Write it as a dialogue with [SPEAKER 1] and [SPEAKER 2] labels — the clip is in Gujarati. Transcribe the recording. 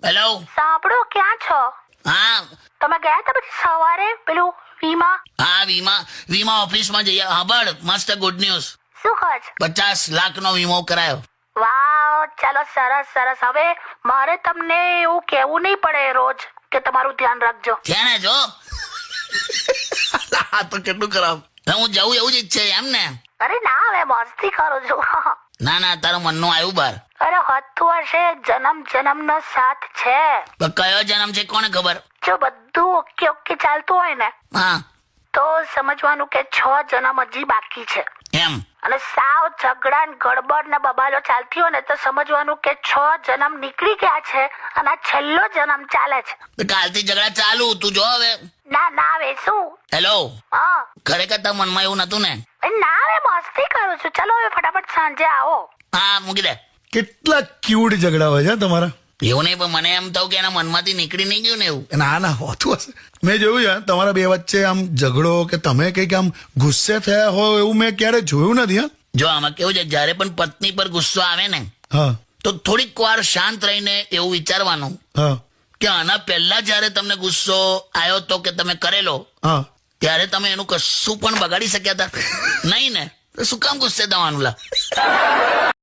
[SPEAKER 1] હેલો.
[SPEAKER 2] સાંભળો, ક્યાં છો?
[SPEAKER 1] હા
[SPEAKER 2] તમે ગયા હતા પછી સવારે પેલું વીમા?
[SPEAKER 1] હા વીમા ઓફિસમાં જઈએ. સાંભળ, મસ્ત ગુડ ન્યૂઝ.
[SPEAKER 2] શું કહો છો?
[SPEAKER 1] 50 લાખનો વીમો કરાયો.
[SPEAKER 2] વાવ, ચાલો, સરસ સરસ. હવે મારે તમને એવું કેવું નહીં પડે રોજ કે તમારું ધ્યાન રાખજો.
[SPEAKER 1] છે ને જો. આ તો કેટલું ખરાબ. હું જવું એવું જ ઈચ્છે એમ ને?
[SPEAKER 2] અરે ના, હવે મસ્તી કરું છું.
[SPEAKER 1] ના તારું મનનું આવ્યું બાર.
[SPEAKER 2] અરે હતું હશે, જન્મ જન્મનો સાથ છે.
[SPEAKER 1] પણ કયો જન્મ છે કોને ખબર?
[SPEAKER 2] જો બધું ઓકે ઓકે ચાલતું હોય ને
[SPEAKER 1] હા
[SPEAKER 2] તો સમજવાનું કે 6 જન્મ હજી બાકી છે.
[SPEAKER 1] એમ.
[SPEAKER 2] અને સાવ ઝઘડા ને ગડબડ ને બબાલો ચાલતી હોય ને તો સમજવાનું કે 6 જન્મ નીકળી ગયા છે અને આ છેલ્લો જન્મ ચાલે છે.
[SPEAKER 1] તો કાલથી ઝઘડા ચાલુ. તું જો હવે.
[SPEAKER 2] ના હવે શું?
[SPEAKER 1] હેલો.
[SPEAKER 2] હા
[SPEAKER 1] ખરેખર તારા મનમાં એવું નતું ને?
[SPEAKER 2] ના, હવે મસ્તી કરું છું. ચલો હવે ફટાફટ સાંજે આવો.
[SPEAKER 1] હા મૂકી દે.
[SPEAKER 3] કેટલા ક્યુટ ઝઘડા હોય છે તમારા.
[SPEAKER 1] એવું નહીં, પણ મને એમ થયું કે એના મનમાંથી નીકળી નહીં ગયું ને એવું.
[SPEAKER 3] ના હોતું હશે. મેં જોયું છે તમારા બે વચ્ચે આમ ઝઘડો કે તમે કંઈક આમ ગુસ્સે થયા હોય એવું મેં ક્યારે જોયું નથી. હા
[SPEAKER 1] જો આમાં કેવું છે, જ્યારે પણ પત્ની પર ગુસ્સો આવે ને
[SPEAKER 3] હા
[SPEAKER 1] તો થોડીક વાર શાંત રહીને એવું વિચારવાનું
[SPEAKER 3] હા
[SPEAKER 1] કે આના પહેલા જ્યારે તમને ગુસ્સો આવ્યો તો કે તમે કરેલો,
[SPEAKER 3] હા
[SPEAKER 1] ત્યારે તમે એનું કશું પણ બગાડી શક્યા હતા નહીં ને? તો શું કામ ગુસ્સે થવાનું લા?